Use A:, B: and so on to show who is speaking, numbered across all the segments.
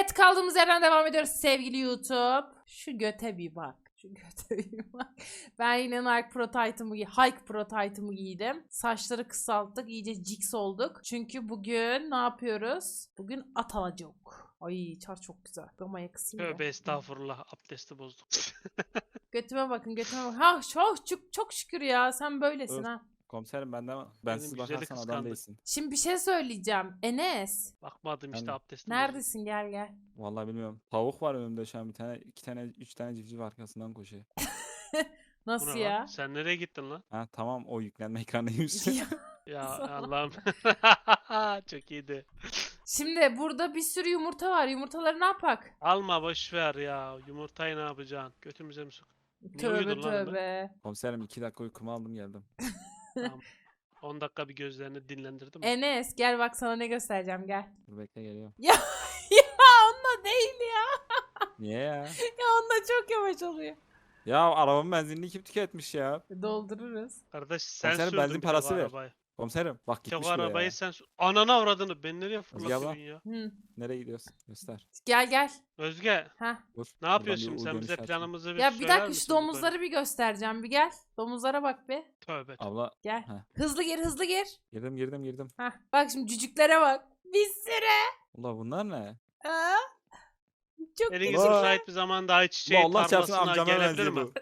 A: Evet, kaldığımız yerden devam ediyoruz sevgili YouTube. Şu göte bir bak. Şu göte bir bak. Ben yine Nike Pro Titan'ımı Hike Pro Titan'ımı giydim. Saçları kısalttık. İyice jigs olduk. Çünkü bugün ne yapıyoruz? Bugün at alacak. Ay çar çok güzel. Damaya kısayım da.
B: Tövbe estağfurullah, abdesti bozduk.
A: Götüme bakın, götüme bakın. Ha çok şükür ya. Sen böylesin
C: Öf.
A: ha.
C: Komiserim benden
B: Benim
C: bensiz
B: güzeli
C: bakarsan adam
B: kıskandık.
C: değilsin.
A: Şimdi bir şey söyleyeceğim. Enes.
B: Bakmadım işte,
C: Ben-
B: abdestim bozuldu.
A: Neredesin? Gel gel.
C: Vallahi bilmiyorum. Tavuk var önümde şu an bir tane, iki tane, üç tane civciv arkasından koşuyor.
B: Bu
A: Nasıl
B: ne
A: ya?
B: lan? Sen nereye gittin lan?
C: Ha tamam o yüklenme ekranıymış.
A: Ya.
B: Ya
A: Salak.
B: Allah'ım. Çok iyiydi.
A: Şimdi burada bir sürü yumurta var. Yumurtaları ne yapak?
B: Alma, boş ver ya. Yumurtayı ne yapacaksın? Götümüze mi sok? Niye
A: Tövbe
B: uyudun lan hemen?
A: tövbe.
C: Komiserim 2 dakika uykumu aldım geldim.
B: Tamam. 10 dakika bir gözlerini dinlendirdim.
A: Enes gel bak sana ne göstereceğim gel.
C: Dur bekle geliyorum.
A: Ya onunla değil ya.
C: Niye ya?
A: Ya onunla çok yavaş oluyor.
C: Ya arabamın benzinini kim tüketmiş ya?
A: Doldururuz.
B: Kardeş sen
C: Komiserim,
B: sürdün
C: benzin
B: bir tek
C: parası
B: o
C: ver.
B: arabayı.
C: Komiserim bak
B: Bir tek
C: gitmiş
B: o
C: bile
B: arabayı
C: ya.
B: sen... Ananı avradını. Ben nereye
C: abla.
B: fırlatıyorsun ya?
A: Hı.
C: Nereye gidiyorsun? Göster.
A: Gel gel.
B: Özge,
A: Ha.
C: Dur.
B: ne yapıyorsun
C: Buradan bir
B: şimdi? Sen
C: U
B: bize
C: dönüşü atayım.
B: planımızı bir
A: Ya bir
B: söyler
A: dakika
B: misin
A: şu
B: yukarı?
A: domuzları bir göstereceğim. Bir gel. Domuzlara bak bir.
B: Tövbe.
C: Abla
A: Gel.
C: Heh.
A: Hızlı gir hızlı gir.
C: girdim.
A: Ha. Bak şimdi cücüklere bak. Bir sürü.
C: Ulan bunlar ne?
A: Aa. Çok
B: Eliniz
A: güzel.
B: müsait bir zamanda ayçiçeği
C: Ulan Allah çarpsın
B: tarlasına
C: amcama
B: gelebilir
C: benziyor
B: mi?
C: bu.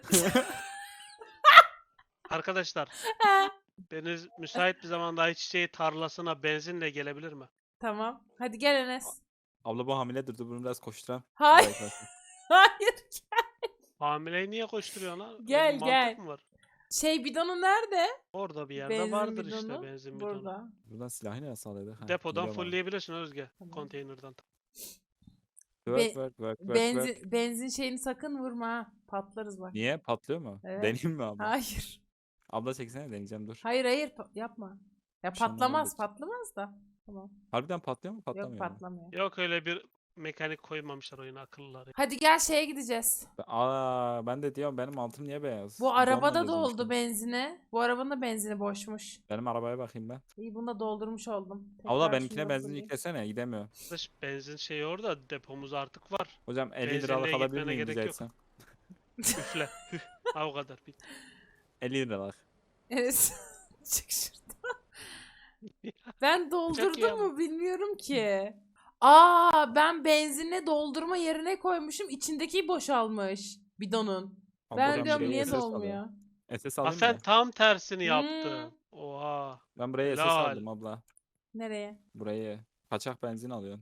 B: Arkadaşlar,
A: Ha.
B: deniz müsait bir zamanda ayçiçeği tarlasına benzinle gelebilir mi?
A: Tamam. Hadi gel Enes.
C: Abla bu hamiledir, dur bunu biraz koşturam.
A: Hayır.
C: Zayıflasın.
A: Hayır.
B: Hamileyi niye koşturuyorsun lan? Öyle
A: Gel,
B: bir
A: gel.
B: mantık mı var?
A: Şey bidonu nerede?
B: Orada bir yerde
A: Benzin
B: vardır
A: bidonu.
B: işte benzin bidonu.
A: Burada.
C: Buradan silahı nereye sağladık? Ha,
B: Depodan
C: biliyorum abi.
B: fullleyebilirsin Özge.
A: Tamam.
B: Konteynerden.
C: Work.
A: Benzin şeyini sakın vurma ha. Patlarız bak.
C: Niye? Patlıyor mu?
A: Evet.
C: Deneyeyim mi abla?
A: Hayır.
C: Abla çeksene, deneyeceğim dur.
A: Hayır yapma. Ya
C: Bir şey
A: patlamaz
C: anlamadım.
A: patlamaz da. Tamam.
C: Harbiden patlıyor mu?
A: Yok
C: Patlamıyor mu?
A: patlamıyor.
B: Yok, öyle bir mekanik koymamışlar oyuna, akıllılar.
A: Hadi gel şeye gideceğiz.
C: Ben de diyorum benim altım niye beyaz?
A: Bu
C: Camla
A: arabada
C: gezdim
A: doldu
C: işte.
A: benzini. Bu arabanın da benzini boşmuş.
C: Benim arabaya bakayım ben.
A: İyi bunu da doldurmuş oldum.
C: Abla
A: Tekrar
C: benimkine
A: şunu da
C: benzin
A: fulleyeyim.
C: yüklesene, gidemiyor.
B: Arkadaş, benzin şeyi orada, depomuz artık var.
C: Hocam 50
B: Benzinliğe
C: liralık alabilir
B: gitmene
C: miyim rica
B: gerek yok.
C: etsem?
B: Üfle. Hüh. Ha, o kadar.
C: 50 liralık.
A: Evet. Çık şuradan. Ben doldurdum
B: ama.
A: mu bilmiyorum ki. Aa ben benzinle doldurma yerine koymuşum. İçindeki boşalmış bidonun.
C: Abla
A: Ben
C: ben
A: diyorum
C: buraya
A: niye
C: SS
A: dolmuyor?
C: alıyorum. SS
B: Ha,
C: alayım
B: sen
C: mı?
B: tam tersini
A: Hmm.
B: yaptın. Oha.
C: Ben buraya SS
B: Helal.
C: aldım abla.
A: Nereye?
C: Burayı. Kaçak benzin alıyorsun.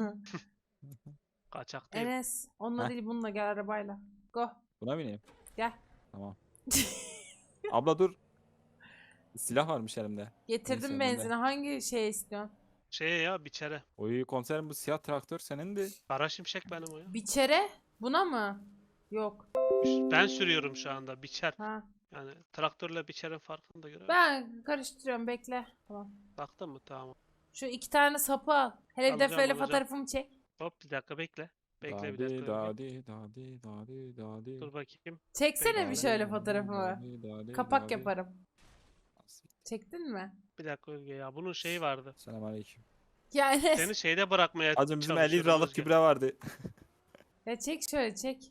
B: Kaçak değil.
A: Enes onunla
C: Heh.
A: değil bununla gel arabayla. Go.
C: Buna bineyim.
A: Gel.
C: Tamam. Abla dur. Silah varmış elimde.
A: Getirdim
C: Neyse,
A: benzini. Hangi şey istiyorsun?
B: Şey ya, biçere.
C: Oy komiserim bu siyah traktör senindi.
B: Kara şimşek benim o ya.
A: Biçere? Buna mı? Yok.
B: Ben sürüyorum şu anda, biçer.
A: Ha.
B: Yani traktörle biçerin farkını da göre.
A: Ben karıştırıyorum bekle. Tamam.
B: Baktın mı? Tamam.
A: Şu 2 tane sapı al. Hele bir
B: Alacağım,
A: defayla
B: alacağım.
A: fotoğrafımı çek.
B: Hop, bir dakika bekle. Bekle bir
C: Dadi
B: dakika. Özge.
C: dadi.
B: Dur bakayım.
A: Çeksene bir
B: Bekle.
A: şöyle fotoğrafımı. Kapak yaparım. Çektin mi?
B: Bir dakika Özge ya. Bunun şeyi vardı.
C: Selamünaleyküm.
A: Yani
B: Seni şeyde bırakmaya
C: Acım bizim 50
B: çalışıyorum
C: liralık
B: Özge.
C: gübre vardı.
A: ya çek şöyle çek.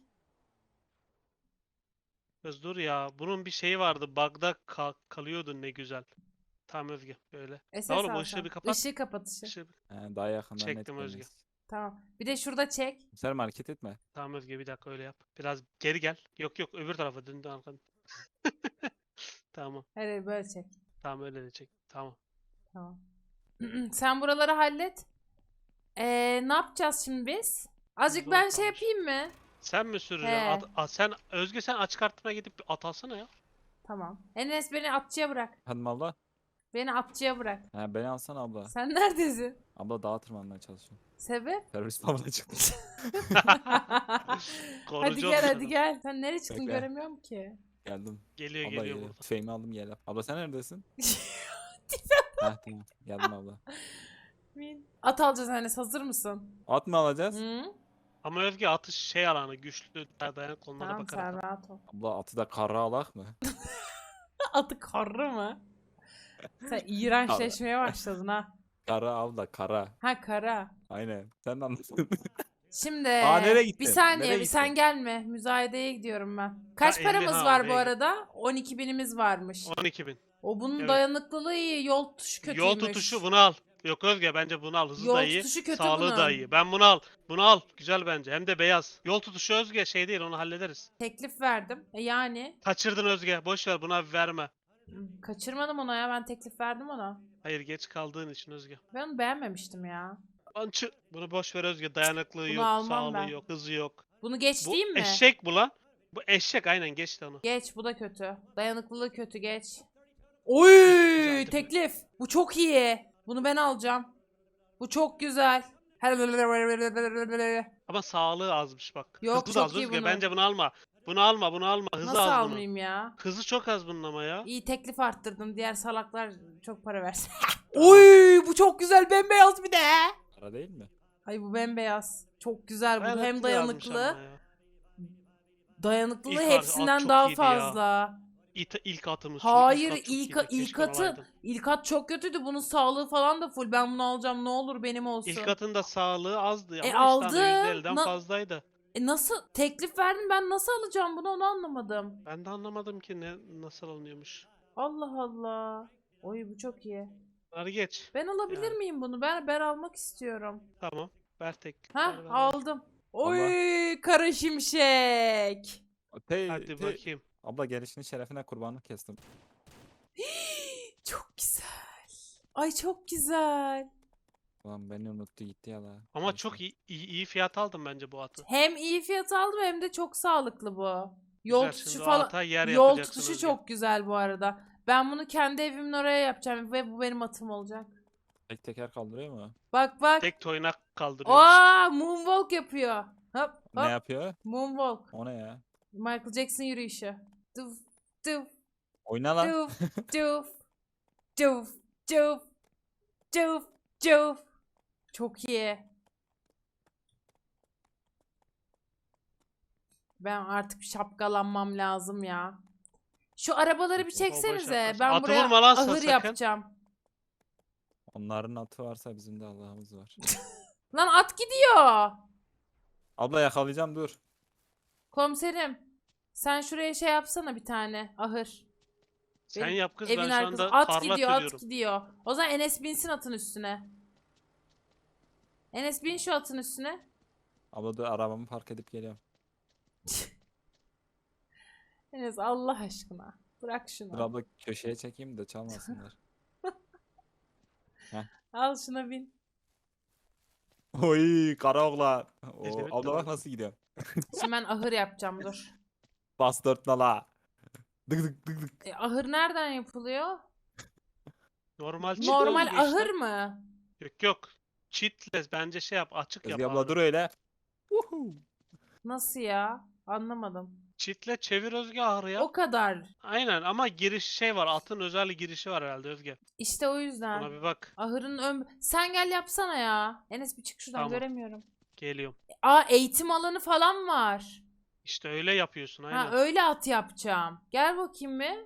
B: Kız dur ya. Bunun bir şeyi vardı. Bug'da kalıyordu ne güzel. Tamam Özge. Böyle.
A: SS
B: Ya oğlum, o
A: al
B: ışığı
A: sen.
B: bir kapat.
A: Işığı kapat ışığı.
B: Işığı
C: Daha yakından net
B: Çektim Özge.
C: görünüyoruz.
A: Tamam. Bir de şurada çek.
C: Sen hareket etme.
B: Tamam Özge, bir dakika öyle yap. Biraz geri gel. Yok yok, öbür tarafa dön arkadan. Tamam.
A: Hadi böyle çek.
B: Tamam, öyle de çek. Tamam.
A: Tamam. Sen buraları hallet. Ne yapacağız şimdi biz? Azıcık
B: Zor
A: ben şey
B: kalmış.
A: yapayım mı?
B: Sen mi süreceksin?
A: He.
B: Sen Özge, sen açık arttırmaya gidip bir at alsana ya.
A: Tamam. Enes beni atçıya bırak.
C: Hanım abla.
A: Beni atçıya bırak.
C: Ha, beni alsana abla.
A: Sen neredesin?
C: Abla dağa tırmanmaya çalışıyorum.
A: Sebep?
C: Terörist avına çıktım.
A: Hadi
B: Korucu
A: gel
B: olsun.
A: hadi gel. Sen nereye çıktın
C: Bekle.
A: göremiyorum ki.
C: Geldim.
B: Geliyor
C: Abla
B: geliyor
C: geliyor.
B: burada.
C: Tüfeğimi aldım gel. Abla sen neredesin? Ha tamam. Geldim abla.
A: At alacağız Enes, hazır mısın?
C: At mı alacağız?
A: Hı?
B: Ama Özge, atış şey alanı güçlü, dayanıklı, onlara
A: Tamam
B: bakarak.
A: sen rahat ol.
C: Abla atı da kara alak mı?
A: Atı karı mı? Sen iğrençleşmeye başladın ha.
C: Kara abla kara.
A: Ha kara.
C: Aynen. Sen de anladın.
A: Şimdi
C: nereye
A: bir
C: gittin?
A: saniye
C: Nereye
A: bir sen
C: gittin?
A: gelme. Müzayedeye gidiyorum ben. Kaç
B: 50
A: paramız
B: ha,
A: var bu
B: oraya.
A: arada? 12.000'imiz varmış.
B: 12.000.
A: O bunun
B: Evet.
A: dayanıklılığı iyi. Yol tutuşu kötüymüş.
B: Yol tutuşu bunu al. Yok Özge bence bunu al. Hızı da
A: Yol
B: iyi.
A: tutuşu kötü
B: Sağlığı da
A: bunun.
B: iyi. Ben bunu al. Bunu al. Güzel bence. Hem de beyaz. Yol tutuşu Özge şey değil onu hallederiz.
A: Teklif verdim. Yani
B: Kaçırdın Özge. Boş ver buna verme.
A: kaçırmadım ona ya. Ben teklif verdim ona.
B: Hayır geç kaldığın için Özge.
A: Ben onu beğenmemiştim ya.
B: Bunu boş ver Özge. Dayanıklığı
A: Bunu
B: yok.
A: almam
B: Sağlığı
A: ben.
B: yok. Hızı yok.
A: Bunu geç
B: Bu
A: diyeyim mi?
B: eşek bu lan. Bu eşek aynen geçti onu.
A: Geç, bu da kötü. Dayanıklılığı kötü, geç. Oy,
B: Güzeldi.
A: teklif. Bu çok iyi. Bunu ben alacağım. Bu çok güzel.
B: Ama sağlığı azmış bak.
A: Yok,
B: Hızı da
A: çok
B: az
A: iyi
B: Özge.
A: bunu.
B: Bence bunu alma. Bunu alma bunu alma. Hızı
A: Nasıl
B: az bunun.
A: almayayım ya?
B: Hızı çok az bunun ama ya.
A: İyi, teklif arttırdım. Diğer salaklar çok para versin.
B: Tamam.
A: Oy, bu çok güzel, bembeyaz bir de.
C: Para değil mi?
A: Ay bu bembeyaz. Çok güzel bu. Hem
B: Dayanıklı yazmış
A: dayanıklı.
B: ama ya.
A: Dayanıklılığı
B: İlk
A: hepsinden
B: çok
A: daha
B: iyiydi ya.
A: fazla.
B: İlk atımız. şu
A: Hayır,
B: at çok iyiydi.
A: ilk
B: Keşke
A: atı
B: olaydı.
A: ilk at çok kötüydü. Bunun sağlığı falan da full. Ben bunu alacağım. Ne olur benim olsun.
B: İlk atın da sağlığı azdı ama işte
A: aldı.
B: hani %50'den
A: Na-
B: fazlaydı.
A: Nasıl teklif verdin, ben nasıl alacağım bunu, onu anlamadım.
B: Ben de anlamadım ki nasıl alınıyormuş.
A: Allah Allah. Oy, bu çok iyi.
B: Bunları geç.
A: Ben alabilir
B: Yani.
A: miyim bunu? Ben almak istiyorum.
B: Tamam. Ver tek.
A: Ha,
B: ver.
A: aldım. Oy, kara şimşek.
B: Hadi bakayım.
C: Abla gelişinin şerefine kurbanlık kestim.
A: Çok güzel. Ay çok güzel.
C: Ulan beni unuttu gitti ya la.
B: Ama
C: Neyse.
B: çok iyi fiyat aldım bence bu atı.
A: Hem iyi fiyat aldım hem de çok sağlıklı bu. Yol
B: Güzel,
A: tutuşu
B: şimdi o
A: falan.
B: ata yer
A: Yol
B: yapacaksın
A: tutuşu
B: Özge.
A: çok güzel bu arada. Ben bunu kendi evimin oraya yapacağım ve bu benim atım olacak.
C: Tek teker kaldırıyor mu?
A: Bak bak.
B: Tek toynak kaldırıyormuş.
A: Aa, moonwalk yapıyor. Hop
C: Ne
A: hop.
C: yapıyor?
A: Moonwalk.
C: O ne ya?
A: Michael Jackson yürüyüşü. Duf duf
C: Oyna lan.
A: duf duf duf duf duf duf. Çok iyi. Ben artık şapkalanmam lazım ya. Şu arabaları bir
B: Baba
A: çeksenize.
B: şapkası.
A: Ben
B: Atı
A: buraya
B: vurma lan
A: ahır
B: sakın.
A: yapacağım.
C: Onların atı varsa bizim de Allah'ımız var.
A: Lan at gidiyor.
C: Abla yakalayacağım dur.
A: Komiserim. Sen şuraya şey yapsana, bir tane ahır.
B: Sen
A: Benim
B: yap kız
A: evin
B: ben şu
A: arkası.
B: anda
A: At
B: tarla
A: gidiyor, at
B: sürüyorum.
A: gidiyor. O zaman Enes binsin atın üstüne. Enes bin şu atın üstüne.
C: Abla dur arabamı park edip geliyorum.
A: Enes Allah aşkına. Bırak
C: Dur
A: şunu.
C: abla köşeye çekeyim de çalmasınlar.
A: Al şuna bin.
C: Oy kara oğlan. Oo,
B: Evet,
C: abla bak
B: tamam.
C: nasıl gidiyor.
A: Şimdi ben ahır yapacağım, dur.
C: Bas dört nala. Dık dık dık dık.
A: Ahır nereden yapılıyor?
B: Normal çit
A: Normal
B: Özge işte.
A: ahır mı?
B: Yok yok. Çitle bence şey yap açık yap
C: Özge abla
B: ahırı.
C: dur öyle. Uhu.
A: Nasıl ya? Anlamadım.
B: Çitle çevir Özge ahırı ya.
A: O kadar.
B: Aynen ama giriş şey var. Atın özel girişi var herhalde Özge.
A: İşte o
B: Ona
A: yüzden.
B: bir bak.
A: Ahırın sen gel yapsana ya. Enes bir çık şuradan,
B: Tamam.
A: göremiyorum.
B: Geliyorum.
A: Aa, eğitim alanı falan var.
B: İşte öyle yapıyorsun aynen.
A: Ha, öyle at yapacağım. Gel bakayım bir.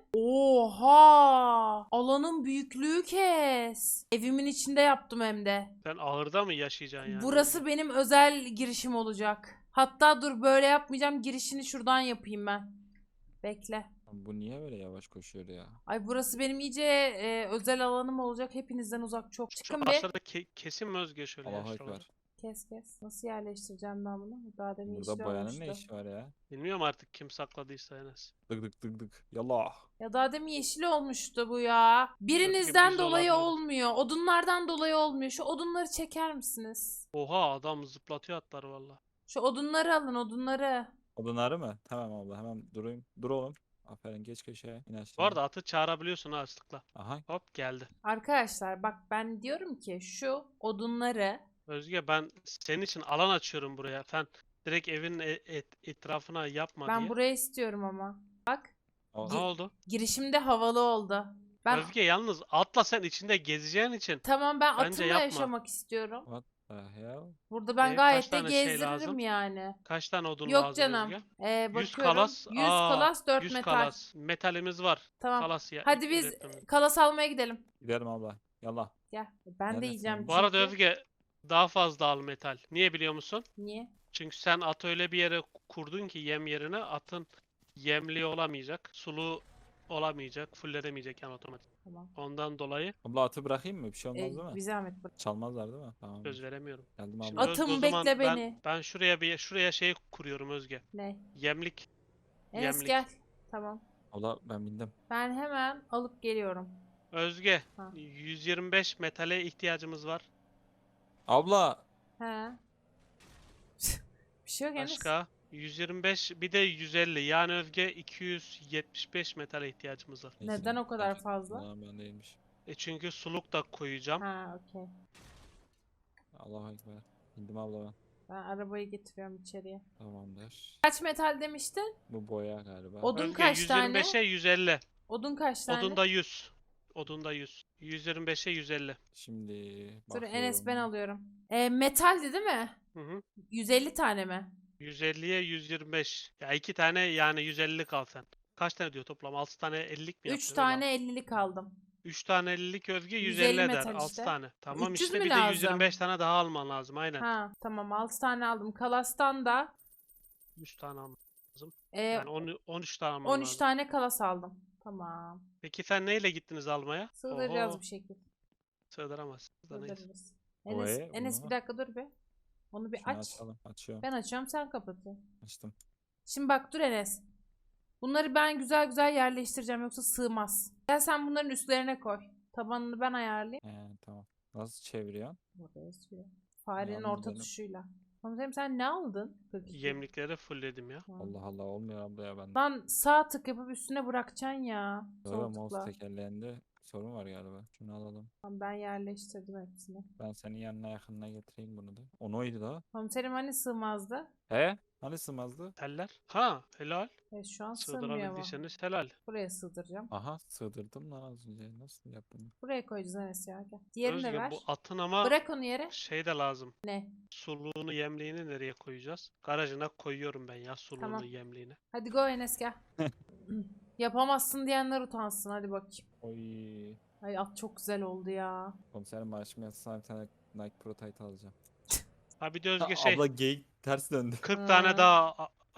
A: Oha! Alanın büyüklüğü kes. Evimin içinde yaptım hem de.
B: Sen ahırda mı yaşayacaksın yani?
A: Burası benim özel girişim olacak. Hatta dur, böyle yapmayacağım. Girişini şuradan yapayım ben. Bekle.
C: Bu niye böyle yavaş koşuyor ya?
A: Ay, burası benim iyice özel alanım olacak. Hepinizden uzak çok.
B: Şu
A: Çıkın bir.
B: aşağıda kesin mi Özge şöyle ya
C: Allahu
B: şuraları?
C: ekber.
A: Kes kes. Nasıl yerleştireceğim ben bunu? Daha demin
C: Burada
A: işli
C: bayanın ne
A: olmuştu.
C: işi var ya?
B: Bilmiyorum artık kim sakladıysa Enes.
C: Dık dık dık dık. Yallah.
A: Ya daha demin yeşil olmuştu bu ya. Birinizden
B: biz
A: dolayı
B: olabiliriz.
A: olmuyor. Odunlardan dolayı olmuyor. Şu odunları çeker misiniz?
B: Oha adam zıplatıyor atları valla.
A: Şu odunları alın, odunları.
C: Odunları mı? Tamam abla hemen durayım. Dur oğlum. Aferin geç köşeye. İn
B: Bu
C: aşağı.
B: arada atı çağırabiliyorsun ha ıslıkla.
C: Aha.
B: Hop geldi.
A: Arkadaşlar bak, ben diyorum ki şu odunları
B: Özge ben senin için alan açıyorum buraya. Sen direkt evin etrafına yapma
A: ben
B: diye.
A: buraya istiyorum ama. Bak,
C: O-
B: Ne oldu?
A: girişimde havalı oldu. Ben
B: Özge yalnız atla sen içinde gezeceğin için.
A: tamam, ben
B: Bence
A: atımla
B: yapma.
A: yaşamak istiyorum.
C: What the hell?
A: Burada ben
B: Kaç
A: gayet de
B: tane şey
A: gezdiririm
B: lazım?
A: yani.
B: Kaç tane odun
A: Yok
B: lazım
A: canım.
B: Özge? 100
A: Bakıyorum.
B: kalas.
A: 100 kalas, 4
B: 100
A: metal.
B: kalas. Metalimiz var.
A: Tamam.
B: Kalas ya.
A: Hadi biz
B: üretmemiz.
A: kalas almaya gidelim.
C: Gidelim abla. Yallah.
A: Gel. Ben de
C: Neredesin?
A: yiyeceğim
B: Bu arada
A: çünkü.
B: Özge daha fazla al metal. Niye biliyor musun?
A: Niye?
B: Çünkü sen atı öyle bir yere kurdun ki yem yerine atın yemli olamayacak, sulu olamayacak, fulledemeyecek yani otomatik.
A: Tamam.
B: Ondan dolayı
C: Abla atı bırakayım mı? Bir şey olmaz değil mi?
A: Bir zahmet bırak.
C: Çalmazlar değil mi? Tamam.
B: söz veremiyorum.
C: Geldim
B: Şimdi
C: abla.
B: Özge o
A: Atım
B: zaman
A: bekle
B: ben
A: beni.
B: ben şuraya şey kuruyorum Özge.
A: Ne?
B: Yemlik.
A: Enes
B: Yemlik.
A: gel. Tamam.
C: Abla ben bindim.
A: Ben hemen alıp geliyorum.
B: Özge,
A: Ha.
B: 125 metale ihtiyacımız var.
C: Abla.
A: He. Bir şey yok Enes.
B: Başka 125 bir de 150 yani Özge 275 metale ihtiyacımız var.
C: Neyse,
A: Neden o kadar
C: fark-
A: fazla?
C: Ulan ben değilmiş.
B: Çünkü suluk da koyacağım.
A: Ha, okey.
C: Allahu Ekber. Bindim abla ben.
A: Ben arabayı getiriyorum içeriye.
C: Tamamdır.
A: Kaç metal demiştin?
C: Bu boya galiba.
A: Odun
B: Özge
A: kaç tane?
B: 125'e 150.
A: Odun kaç tane?
B: Odunda 100. Odunda 100. 125'e 150.
C: Şimdi
A: Dur Enes ben
C: bakıyorum.
A: alıyorum. Metaldi değil mi?
B: Hı hı.
A: 150 tane mi?
B: 150'ye 125. Ya 2 tane yani 150 kal sen. Kaç tane diyor toplam? 6 tane 50'lik mi
A: 3
B: yapıyor?
A: tane 50'lik aldım.
B: 3 tane 50'lik Özge
A: 150
B: 150 eder.
A: metal
B: 6
A: işte.
B: tane. Tamam
A: 300
B: işte
A: mü
B: bir de
A: lazım?
B: 125 tane daha alman lazım aynen.
A: Ha tamam 6 tane aldım. Kalas'tan da
B: 100 tane alman lazım.
A: e,
B: Yani 13 tane alman
A: 13
B: lazım.
A: tane kalas aldım. Tamam.
B: Peki sen neyle gittiniz almaya?
A: Sığdıracağız
B: Oho,
A: bir şekilde.
B: sığdıramazsın da neyse.
A: Sığdırırız. Enes,
C: Oy,
A: Enes bir
C: bunu-
A: dakika dur be. Onu bir
C: Şunu
A: aç.
C: açalım. Açıyorum.
A: Ben açıyorum sen kapatıyorsun.
C: Açtım.
A: Şimdi bak dur Enes. Bunları ben güzel güzel yerleştireceğim yoksa sığmaz. Gel sen bunların üstlerine koy. Tabanını ben ayarlayayım.
C: Tamam. Nasıl çeviriyorsun?
A: Buraya sürüyor. Farenin
C: Yalnız
A: orta
C: benim-
A: tuşuyla. Komiserim sen ne aldın? 42.
B: Yemlikleri fullledim ya.
A: Ha.
C: Allah Allah olmuyor abla ya ben.
A: Lan sağ tık yapıp üstüne bırakacaksın ya.
C: Böyle
A: Sol
C: mouse
A: tıkla.
C: tekerleğinde sorun var galiba. Şunu alalım.
A: Tamam, ben yerleştirdim hepsini.
C: Ben senin yanına yakınına getireyim bunu da. O neydi da?
A: Komiserim hani sığmazdı?
C: He? Hani sığmazdı?
B: Teller. Ha helal.
A: Evet şu an sığmıyor ama.
B: Sığdırabildiyseniz helal.
A: Buraya sığdıracağım.
C: Aha sığdırdım lan az önce. Nasıl yaptım?
A: Buraya koyacağız Enes ya. Gel. Diğerini de
B: Özge
A: ver.
B: bu atın ama
A: Bırak onu yere.
B: şey de lazım.
A: Ne?
B: Suluğunu yemliğini nereye koyacağız? Garajına koyuyorum ben ya suluğunu
A: Tamam.
B: yemliğini.
A: Hadi go Enes gel. Yapamazsın diyenler utansın. Hadi bakayım.
C: Oy.
A: Ay at çok güzel oldu ya.
C: Komiserim maaşımı yatsam bir tane Nike Pro Tight alacağım.
B: Ha bir de Özge şey
C: Abla geyik ters döndü.
B: 40
A: Ha.
B: tane daha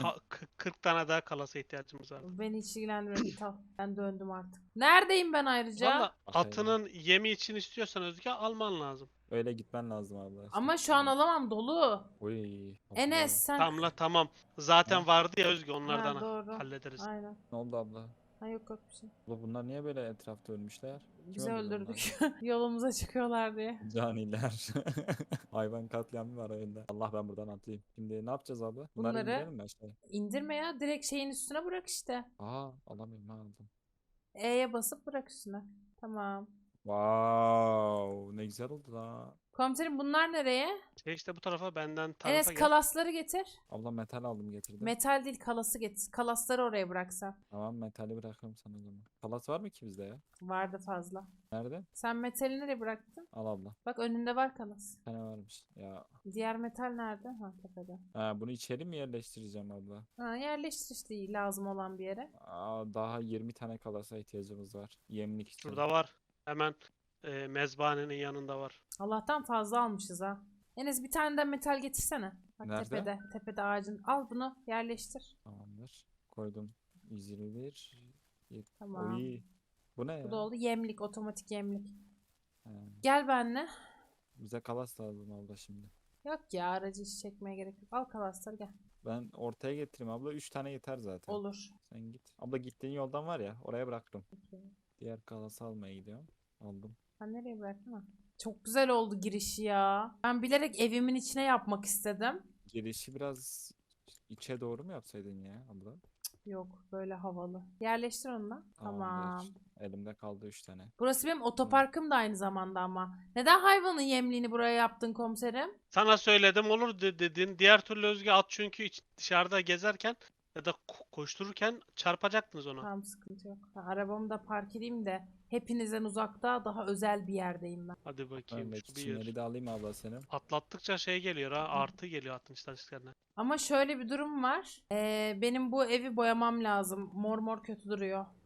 B: 40 tane daha kalasa ihtiyacımız var.
A: Beni hiç ilgilendirmiyor. Git al. Ben döndüm artık. Neredeyim ben ayrıca?
B: Valla
C: Bakayım.
B: atının yemi için istiyorsan Özge alman lazım.
C: Öyle gitmen lazım abla.
A: Ama şu an alamam dolu.
C: Oy.
A: Enes sen...
B: Tamam la tamam. Zaten
C: Ha?
B: vardı ya Özge
A: Ha,
B: onlardan
A: doğru.
B: hallederiz.
A: Aynen.
C: Ne oldu abla?
A: Ha, yok yok bir şey.
C: Abla bunlar niye böyle etrafta ölmüşler?
A: Biz
C: öldürdü
A: öldürdük. Yolumuza çıkıyorlar diye.
C: Caniler. Hayvan katliamı var oyunda. Allah ben buradan atlayayım. Şimdi ne yapacağız abla? Bunları
A: Bunları-
C: indirelim mi aşağıya?
A: İndirme ya. Direkt şeyin üstüne bırak işte.
C: Aa alamıyorum ha aldım.
A: E'ye basıp bırak üstüne. Tamam.
C: Wow ne güzel oldu la.
A: Komiserim bunlar nereye?
B: Şey işte bu tarafa benden tarafa
A: Enes
B: gel.
A: kalasları getir.
C: Abla metal aldım getirdim.
A: Metal değil kalası getir. Kalasları oraya bıraksan.
C: Tamam metali bırakıyorum sana o zaman. Palas var mı ki bizde ya?
A: Vardı fazla.
C: Nerede?
A: Sen metali nereye bıraktın?
C: Al abla.
A: Bak önünde var kalas.
C: Bir tane varmış. Ya.
A: Diğer metal nerede? Ha tepede.
C: Ha, bunu içeri mi yerleştireceğim abla?
A: Ha yerleştir işte lazım olan bir yere.
C: Daha 20 tane kalasa ihtiyacımız var. Yemlik için.
B: Şurada var. Hemen mezbahanenin yanında var.
A: Allah'tan fazla almışız ha. Enes bir tane de metal getirsene. Bak
C: Nerede?
A: tepede. Tepede ağacın. Al bunu yerleştir.
C: Tamamdır. Koydum. 121.
A: Tamam.
C: Oy. Bu ne ya?
A: Bu da oldu. Yemlik. Otomatik yemlik.
C: Ha,
A: Gel benle.
C: bize kalas lazım abla şimdi.
A: Yok ya aracı hiç çekmeye gerek yok. Al kalasları gel.
C: Ben ortaya getireyim abla. 3 tane yeter zaten.
A: Olur.
C: Sen git. Abla gittiğin yoldan var ya oraya bıraktım.
A: Okey.
C: Diğer kalası almaya gidiyorum. Aldım.
A: Ben nereye bıraktım ha? Çok güzel oldu girişi ya. Ben bilerek evimin içine yapmak istedim.
C: Girişi biraz içe doğru mu yapsaydın ya abla?
A: Yok böyle havalı. Yerleştir onu da. Tamam.
C: Tamamdır. Elimde kaldı 3 tane.
A: Burası benim otoparkım da aynı zamanda ama. Neden hayvanın yemliğini buraya yaptın komiserim?
B: Sana söyledim olur dedin. Diğer türlü Özge at çünkü dışarıda gezerken ya da koştururken çarpacaktınız ona.
A: Tamam sıkıntı yok. Ben arabamı da park edeyim de hepinizden uzakta daha özel bir yerdeyim ben.
B: Hadi bakayım
C: Öndeki
B: şu bir.
C: çimleri de alayım abla senin.
B: Atlattıkça şey geliyor ha artı geliyor atın istatistiklerine.
A: Ama şöyle bir durum var. Benim bu evi boyamam lazım. Mor mor kötü duruyor.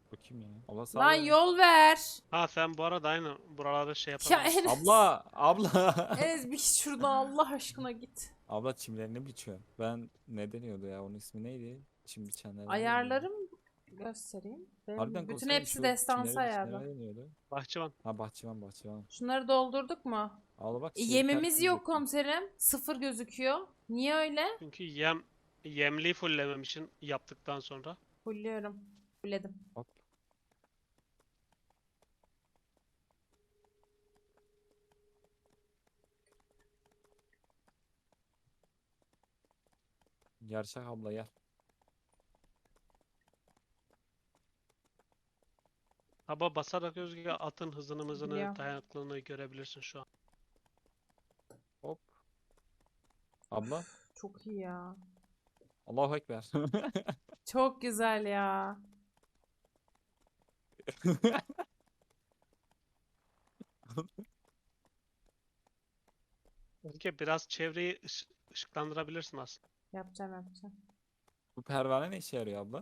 C: Bu kim ya? Allah sağ
A: Lan
C: ol.
A: yol ver.
B: Ha sen bu arada aynı buraları şey
A: Ya
B: yapabilirsin.
A: Enes.
C: Abla.
A: Enes bir git şuradan Allah aşkına git.
C: Abla çimlerini biçiyor. Ben ne deniyordu ya? Onun ismi neydi? Çim biçenler.
A: Ayarlarım göstereyim.
C: Harbiden
A: Bütün
C: konuşsana,
A: hepsi
C: şu
A: destansı
C: çimleri
A: ayarda.
C: biçenler ne deniyordu?
B: Bahçıvan.
C: Ha bahçıvan.
A: Şunları doldurduk mu?
C: Abla bak.
A: Yemimiz
C: terk
A: yok
C: edecektim.
A: komiserim. 0 gözüküyor. Niye öyle?
B: Çünkü yemliği fullemem için yaptıktan sonra.
A: Fulluyorum. Fulledim.
C: Hop. Gerçek abla gel.
B: Taba basarak Özge atın hızını mızını
A: Biliyorum.
B: dayanıklılığını görebilirsin şu an.
C: Hop. Abla.
A: Çok iyi ya.
C: Allahu Ekber.
A: Çok güzel ya.
B: Özge biraz çevreyi ışıklandırabilirsin aslında.
A: Yapacağım.
C: Bu pervane ne işe yarıyor abla?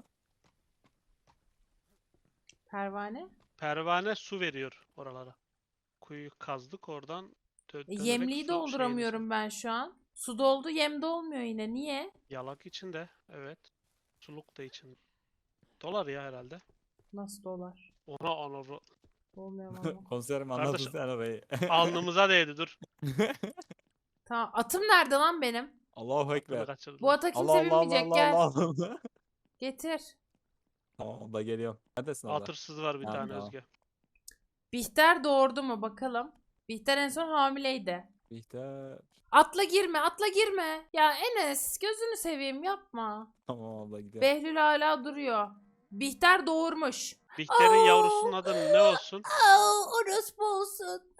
A: Pervane.
B: Pervane su veriyor oralara. Kuyuyu kazdık oradan dönerek
A: Yemliği
B: su
A: dolduramıyorum ben şu an. Su doldu, yem dolmuyor yine. Niye?
B: Yalak içinde, evet. Suluk da içinde. Dolar ya herhalde.
A: Nasıl dolar?
B: Ona
A: Olmuyor valla.
C: Konserim
B: Kardeş,
C: anladın sen orayı.
B: alnımıza değdi dur.
A: Tamam. Atım nerede lan benim?
C: Allahu
B: Aklını
C: Ekber.
B: kaçırdım.
A: Bu ata kimse binmeyecek. Gel.
C: Allah.
A: Getir.
C: Tamam abla geliyorum. Neredesin abla?
B: Atırsız var bir
C: Tamam,
B: tane
C: tamam.
B: Özge.
A: Bihter doğurdu mu bakalım. Bihter en son hamileydi.
C: Bihter.
A: Atla girme. Ya Enes gözünü seveyim yapma.
C: Tamam abla gidiyorum.
A: Behlül hala duruyor. Bihter doğurmuş.
B: Bihter'in
A: Aa!
B: yavrusunun adı ne olsun?
A: Orospu olsun.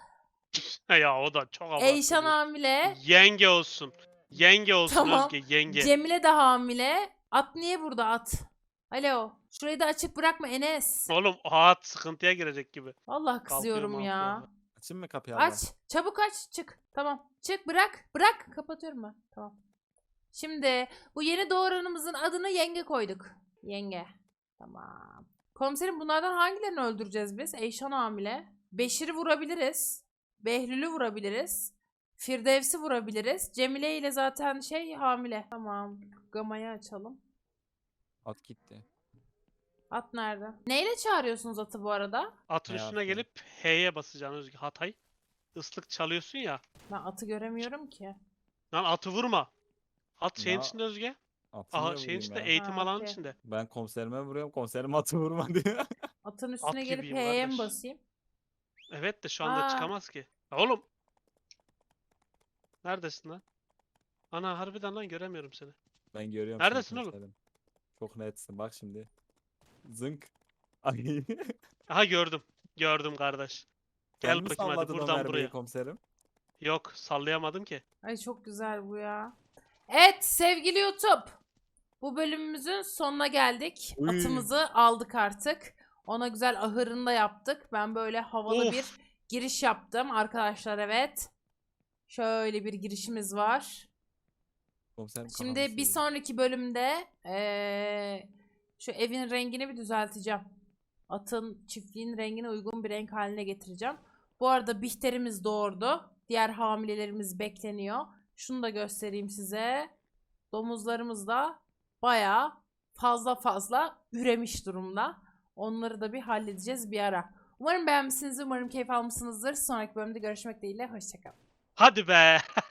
B: Ya o da çok abartı.
A: Eyşan
B: diyor.
A: hamile.
B: Yenge olsun. Yenge olsun
A: Tamam.
B: Özge, yenge.
A: Cemile de hamile. At niye burada at? Alo. Şurayı da açık bırakma Enes.
B: Oğlum at sıkıntıya girecek gibi.
A: Vallahi kızıyorum
B: Kalkıyor,
A: ya.
B: malkıyor.
C: Açayım mı kapıyı abla?
A: Aç. Çabuk aç. Çık. Tamam. Çık bırak. Bırak. Kapatıyorum ben. Tamam. Şimdi bu yeni doğuranımızın adını Yenge koyduk. Yenge. Tamam. Komiserim bunlardan hangilerini öldüreceğiz biz? Eyşan hamile. Beşir'i vurabiliriz. Behlül'ü vurabiliriz. Firdevs'i vurabiliriz. Cemile ile zaten hamile. Tamam. Gamayı açalım.
C: At gitti.
A: At nerede? Neyle çağırıyorsunuz atı bu arada?
B: Atın
C: Hayatım.
B: üstüne gelip H'ye basacaksın Özge. Hatay. Islık çalıyorsun ya.
A: Ben atı göremiyorum ki.
B: Lan atı vurma. At şeyin
C: Ya,
B: içinde Özge.
C: Atı
B: Aha
C: niye
B: şeyin
C: vurayım
B: içinde
C: ya?
B: eğitim
A: Ha,
B: alanının
A: okey.
B: içinde.
C: Ben komiserime vuruyorum. Komiserim atı vurma diyor.
A: Atın üstüne gelip
B: gibiyim
A: H'ye mi
B: kardeş.
A: basayım?
B: Evet de şu anda
A: Aa.
B: çıkamaz ki. Ya oğlum. Neredesin lan? Ana harbiden lan göremiyorum seni.
C: Ben görüyorum
B: Neredesin
C: seni
B: oğlum?
C: komiserim. Çok netsin bak şimdi. Zınk. Ay.
B: Aha gördüm. Gördüm kardeş.
C: Sen
B: Gel
C: mi
B: bakayım hadi
C: salladın o
B: buradan
C: mermiyi
B: buraya.
C: komiserim?
B: Yok sallayamadım ki.
A: Ay çok güzel bu ya. Evet sevgili YouTube. Bu bölümümüzün sonuna geldik.
C: Uy.
A: Atımızı aldık artık. Ona güzel ahırını da yaptık. Ben böyle havalı
B: Of.
A: bir giriş yaptım arkadaşlar evet. Şöyle bir girişimiz var.
C: Komiserim
A: Şimdi
C: kafamı
A: bir
C: sıyırdı.
A: sonraki bölümde şu evin rengini bir düzelteceğim. Atın çiftliğin rengine uygun bir renk haline getireceğim. Bu arada Bihter'imiz doğurdu. Diğer hamilelerimiz bekleniyor. Şunu da göstereyim size. Domuzlarımız da bayağı fazla üremiş durumda. Onları da bir halledeceğiz bir ara. Umarım beğenmişsinizdir. Umarım keyif almışsınızdır. Sonraki bölümde görüşmek dileğiyle. Hoşçakalın.
B: Hadi be.